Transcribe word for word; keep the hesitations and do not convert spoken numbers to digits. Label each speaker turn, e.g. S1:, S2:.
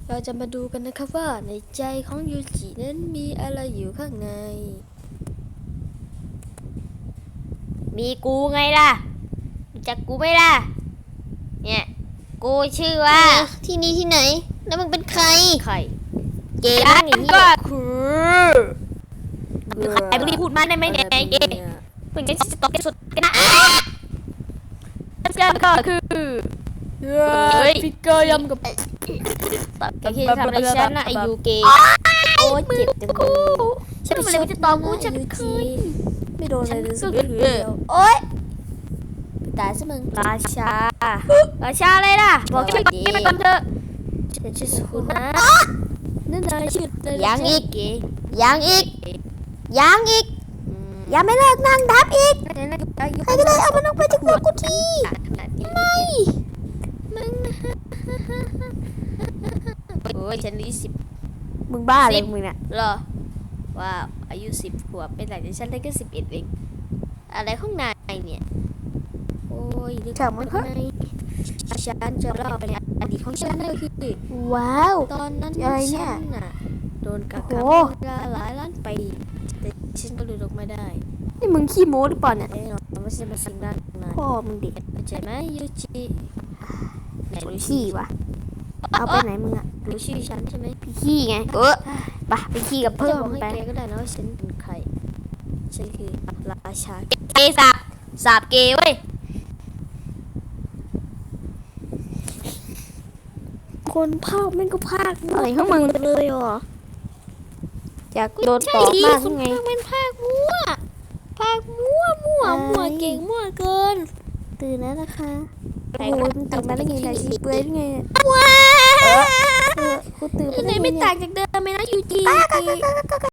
S1: เราจะมาดูกันนะครับว่าในใจของยูจินั้นมีอะไรอยู่ข้างใน
S2: มีกูไงล่ะรู้จักกูไหมล่ะเนี่ยกูชื่อว่า
S3: ที่นี่ที่ไหนแล้วมึงเป็นใคร
S2: ใคร
S3: เกย์
S2: ฉั
S3: นั่
S2: น
S3: นอย่างนี้
S2: ก็คือใครบุรีพูดมาได้ไหมเนี่ยเอ๊ะเพิ่งจะตอบสุดกันนะฉันก็คือเฮ้ย
S1: ฟิกเกอร์ยำกับ
S2: ตอบแกที่ทำอะไรฉันนะไอยูเกย์โอ้เจ็บจังเลยฉันไม่รู้จะตอบกูฉันคือ
S1: ไม่โดนอะไรเลยสัก
S2: ก็
S1: เดี
S2: คือ
S1: ยว
S2: โอ๊ย
S1: ตายซะมึง
S2: ราชาราชาเลยล่ะบอกชื่อนี้ไปก่อนเถอะ
S1: ฉันชื่อสุคุณนะนั่นนายชื่ออะไร
S3: ยังอีก
S2: เกย์
S3: ยังอีกยังอีกยังไม่เลิกนั่งทับอีกใครก็ได้เอามันออกไปจากหัวกูที
S2: ไม่มึงโอ้ยฉันอายุสิบ
S3: มึงบ้าเลยมึงน่ะ
S2: เหรอว้าวอายุสิบขวบเป็นหลังจากฉันได้แค่สิบเอ็ดเองอะไรข้างในเนี่ยโอ้ยนึก
S3: เฉามัน
S2: ข้า
S3: เฮ้
S2: งในฉันจะเล่าไปในอดีตของฉันนั่นคือ
S3: ว้าว
S2: ตอนนั้น
S3: อะไรเนี่ย
S2: ฉันน่ะโดนกัก
S3: โอ้
S2: ขัง
S3: โห
S2: หลายล้านปีแต่ฉันก็หลุดออกมาได้
S3: นี่มึงขี้โม้หรือเปล่าเนี่ย
S2: แน่นอนว่าฉันเป็นสิ่งด้านใน
S3: พ่อมึงเด็ก
S2: เข้าใจไหมยูจิไหนรู้
S3: ขี้วะเอาไปไหนมึงอ่ะ
S2: รู้ชื่อฉันใช่ไหม
S3: พี่ขี้ไงเออไปไปขี้กับ
S2: เพิ่
S3: เพิ่
S2: ม
S3: ม
S2: ให้
S3: ไป
S2: แกก็ได้นะว่าฉันเป็นใครฉันคือราชาเกย์สาบสาบเกย์เว้ย
S1: คนภาคแม่งก็ภาค
S3: อะไรของมึง
S1: เลยเหรอ
S3: อยากโดนตอบมาก
S1: คน
S3: ไง
S1: ภาคแม่งภาคมั่วภาคมั่วมั่วมั่วเก่งมั่วเกิน
S3: ตื่นแล้วนะคะโอ้โหมึงตื่นมาได้ไงเนี่ยชีเปลือยได้ไงเนี่ย
S1: ว้า
S3: เออกูตื่นมา
S1: ไหน
S3: ได้ไง
S1: ไม่
S3: เนี่ย
S1: ต่างจากเดิมไหมนะยูจิ